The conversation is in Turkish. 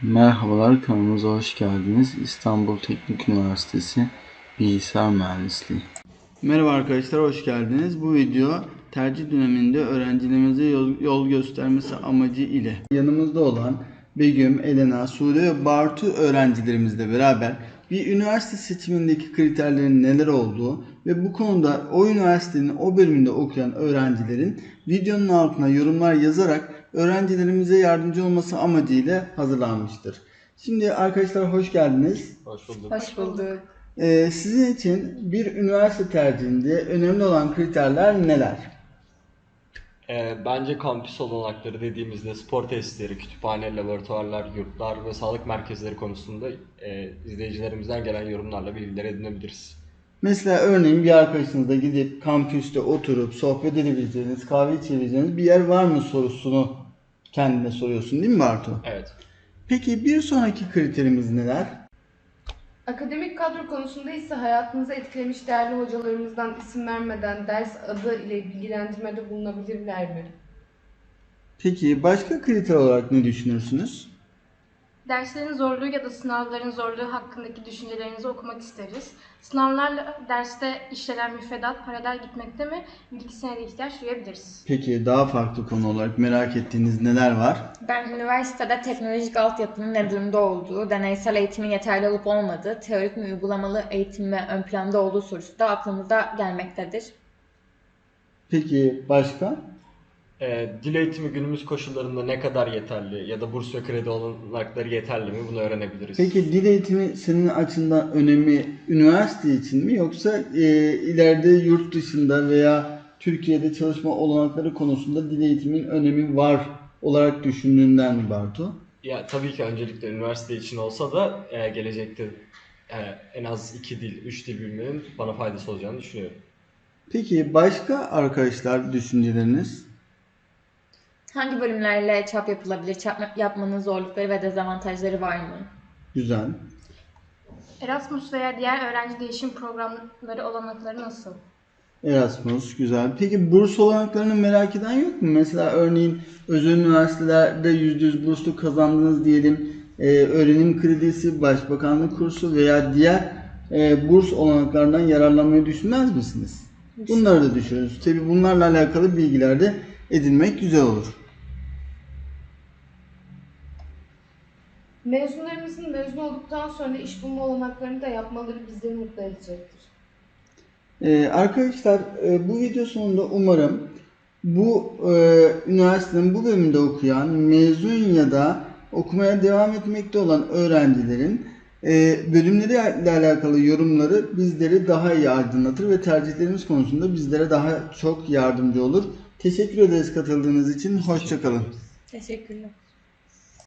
Merhabalar, kanalımıza hoş geldiniz. İstanbul Teknik Üniversitesi Bilgisayar Mühendisliği. Merhaba arkadaşlar, hoş geldiniz. Bu video tercih döneminde öğrencilerimize yol göstermesi amacı ile yanımızda olan Begüm, Elena, Sude ve Bartu öğrencilerimizle beraber bir üniversite seçimindeki kriterlerin neler olduğu ve bu konuda o üniversitenin o bölümünde okuyan öğrencilerin videonun altına yorumlar yazarak öğrencilerimize yardımcı olması amacıyla hazırlanmıştır. Şimdi arkadaşlar hoş geldiniz. Hoş bulduk. Hoş bulduk. Sizin için bir üniversite tercihinde önemli olan kriterler neler? Bence kampüs olanakları dediğimizde spor tesisleri, kütüphane, laboratuvarlar, yurtlar ve sağlık merkezleri konusunda izleyicilerimizden gelen yorumlarla bilgiler edinebiliriz. Mesela örneğin bir arkadaşınızla gidip kampüste oturup sohbet edebileceğiniz, kahve içebileceğiniz bir yer var mı sorusunu kendine soruyorsun değil mi Bartu? Evet. Peki bir sonraki kriterimiz neler? Akademik kadro konusunda ise hayatınızı etkilemiş değerli hocalarımızdan isim vermeden ders adı ile bilgilendirmede bulunabilirler mi? Peki başka kriter olarak ne düşünürsünüz? Derslerin zorluğu ya da sınavların zorluğu hakkındaki düşüncelerinizi okumak isteriz. Sınavlarla derste işlenen müfredat paralel gitmekte mi? Bilgisine de ihtiyaç duyabiliriz. Peki daha farklı konu olarak merak ettiğiniz neler var? Ben üniversitede teknolojik altyapının ne durumda olduğu, deneysel eğitimin yeterli olup olmadığı, teorik mi uygulamalı eğitim mi ön planda olduğu sorusu da aklımıza gelmektedir. Peki başka? Dil eğitimi günümüz koşullarında ne kadar yeterli ya da burs ve kredi olanakları yeterli mi? Bunu öğrenebiliriz. Peki dil eğitimi senin açından önemi üniversite için mi yoksa ileride yurt dışında veya Türkiye'de çalışma olanakları konusunda dil eğitimin önemi var olarak düşündüğünden mi Bartu? Ya tabii ki öncelikle üniversite için olsa da gelecekte en az 2 dil, 3 dil bilmenin bana faydası olacağını düşünüyorum. Peki başka arkadaşlar düşünceleriniz? Hangi bölümlerle çap yapılabilir, çap yapmanın zorlukları ve dezavantajları var mı? Güzel. Erasmus veya diğer öğrenci değişim programları olanakları nasıl? Erasmus güzel. Peki burs olanaklarını merak eden yok mu? Mesela örneğin özel üniversitelerde %100 burslu kazandınız diyelim. Öğrenim kredisi, başbakanlık kursu veya diğer burs olanaklarından yararlanmayı düşünmez misiniz? Bunları da düşünürüz. Tabii bunlarla alakalı bilgiler de edinmek güzel olur. Mezunlarımızın mezun olduktan sonra iş bulma olanaklarını da yapmaları bizleri mutlu edecektir. Arkadaşlar bu video sonunda umarım bu üniversitenin bu bölümünde okuyan, mezun ya da okumaya devam etmekte olan öğrencilerin bölümleriyle alakalı yorumları bizleri daha iyi aydınlatır ve tercihlerimiz konusunda bizlere daha çok yardımcı olur. Teşekkür ederiz katıldığınız için. Hoşça kalın. Teşekkürler.